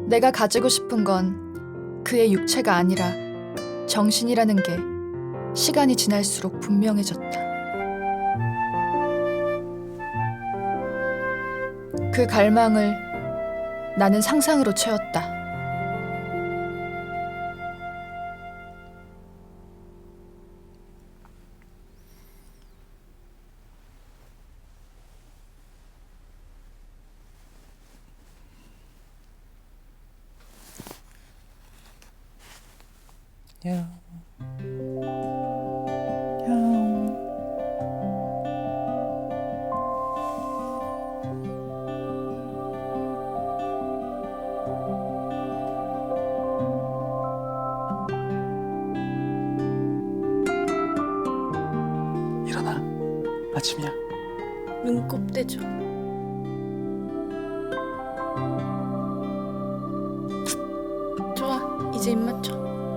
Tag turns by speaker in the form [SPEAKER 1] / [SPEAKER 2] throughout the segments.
[SPEAKER 1] 내가 가지고 싶은 건 그의 육체가 아니라 정신이라는 게 시간이 지날수록 분명해졌다. 그 갈망을 나는 상상으로 채웠다.
[SPEAKER 2] 일어나. 아침이야.
[SPEAKER 3] 눈곱 떼줘. 좋아, 이제 입 맞춰.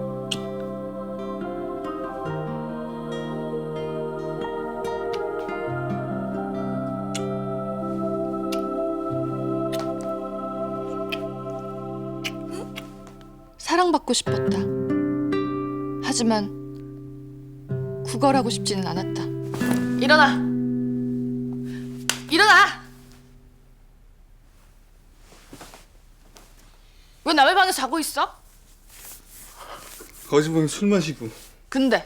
[SPEAKER 1] 사랑받고 싶었다. 하지만 구걸하고 싶지는 않았다. 일어나! 일어나! 왜 남의 방에 자고 있어?
[SPEAKER 2] 거기 보면 술 마시고.
[SPEAKER 1] 근데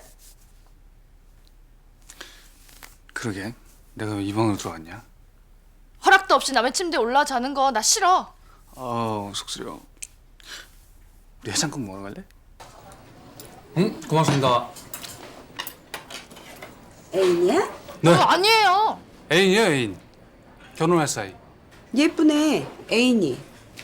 [SPEAKER 2] 그러게. 내가 왜 이 방으로 들어왔냐?
[SPEAKER 1] 허락도 없이 남의 침대에 올라와 자는 거 나 싫어.
[SPEAKER 2] 속쓰려. 우리 해장국 먹으러 갈래?
[SPEAKER 4] 응? 고맙습니다.
[SPEAKER 5] 애인이야?
[SPEAKER 4] 네.
[SPEAKER 1] 아니에요.
[SPEAKER 4] 애인이요, 애인. 결혼할 사이.
[SPEAKER 5] 예쁘네, 애인이.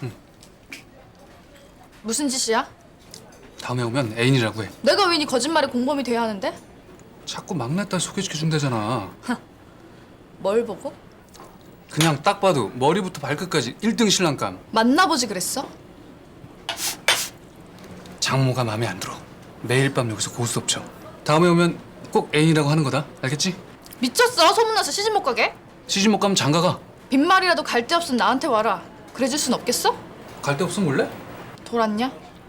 [SPEAKER 1] 무슨 짓이야?
[SPEAKER 4] 다음에 오면 애인이라고 해.
[SPEAKER 1] 내가 왜 네 거짓말에 공범이 돼야 하는데?
[SPEAKER 4] 자꾸 막내 딸 소개시켜준다잖아.
[SPEAKER 1] 뭘 보고?
[SPEAKER 4] 그냥 딱 봐도 머리부터 발끝까지 1등 신랑감.
[SPEAKER 1] 만나보지 그랬어?
[SPEAKER 4] 장모가 마음에 안 들어. 매일 밤 여기서 고스톱 쳐. 다음에 오면 꼭 애인이라고 하는 거다. 알겠지?
[SPEAKER 1] 미쳤어? 소문나서 시집 못 가게?
[SPEAKER 4] 시집 못 가면 장가가.
[SPEAKER 1] 빈말이라도 갈 데 없으면 나한테 와라. 그래줄 순 없겠어?
[SPEAKER 4] 갈 데 없으면 몰래?
[SPEAKER 1] 돌았냐?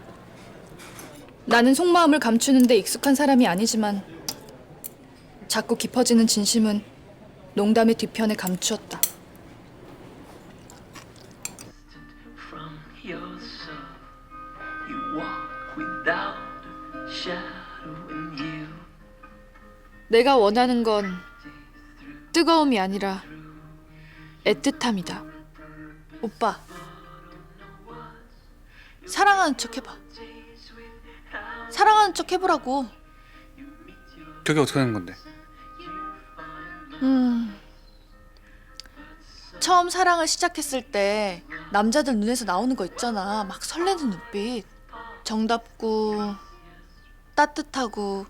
[SPEAKER 1] 나는 속마음을 감추는데 익숙한 사람이 아니지만 자꾸 깊어지는 진심은 농담의 뒤편에 감추었다.
[SPEAKER 6] From yourself, you walk without a shadow in you.
[SPEAKER 1] 내가 원하는 건 뜨거움이 아니라 애틋함이다. 오빠, 사랑하는 척 해봐. 사랑하는 척 해보라고.
[SPEAKER 2] 그게 어떻게 하는 건데?
[SPEAKER 1] 처음 사랑을 시작했을 때 남자들 눈에서 나오는 거 있잖아. 막 설레는 눈빛. 정답고 따뜻하고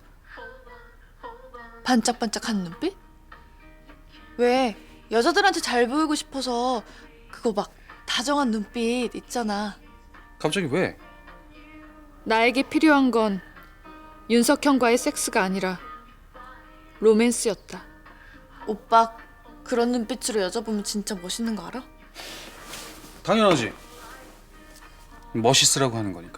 [SPEAKER 1] 반짝반짝하는 눈빛? 왜 여자들한테 잘 보이고 싶어서 그거 막 다정한 눈빛 있잖아.
[SPEAKER 2] 갑자기 왜?
[SPEAKER 1] 나에게 필요한 건 윤석형과의 섹스가 아니라 로맨스였다. 오빠 그런 눈빛으로 여자 보면 진짜 멋있는 거 알아?
[SPEAKER 2] 당연하지. 멋있으라고 하는 거니까.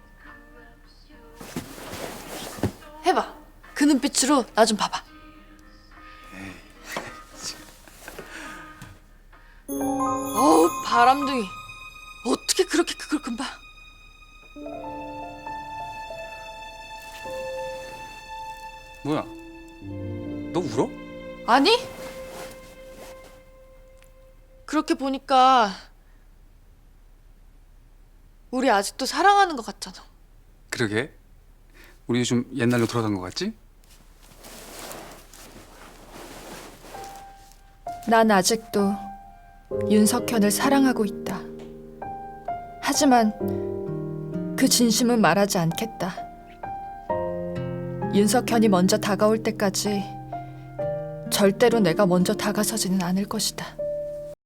[SPEAKER 1] 해봐. 그 눈빛으로 나 좀 봐봐. 어우 바람둥이. 어떻게 그렇게 그걸 금방.
[SPEAKER 2] 뭐야? 너 울어?
[SPEAKER 1] 아니? 그렇게 보니까 우리 아직도 사랑하는 것 같잖아.
[SPEAKER 2] 그러게. 우리 좀 옛날로 돌아간 것 같지?
[SPEAKER 1] 난 아직도 윤석현을 사랑하고 있다. 하지만 그 진심은 말하지 않겠다. 윤석현이 먼저 다가올 때까지 절대로 내가 먼저 다가서지는 않을 것이다.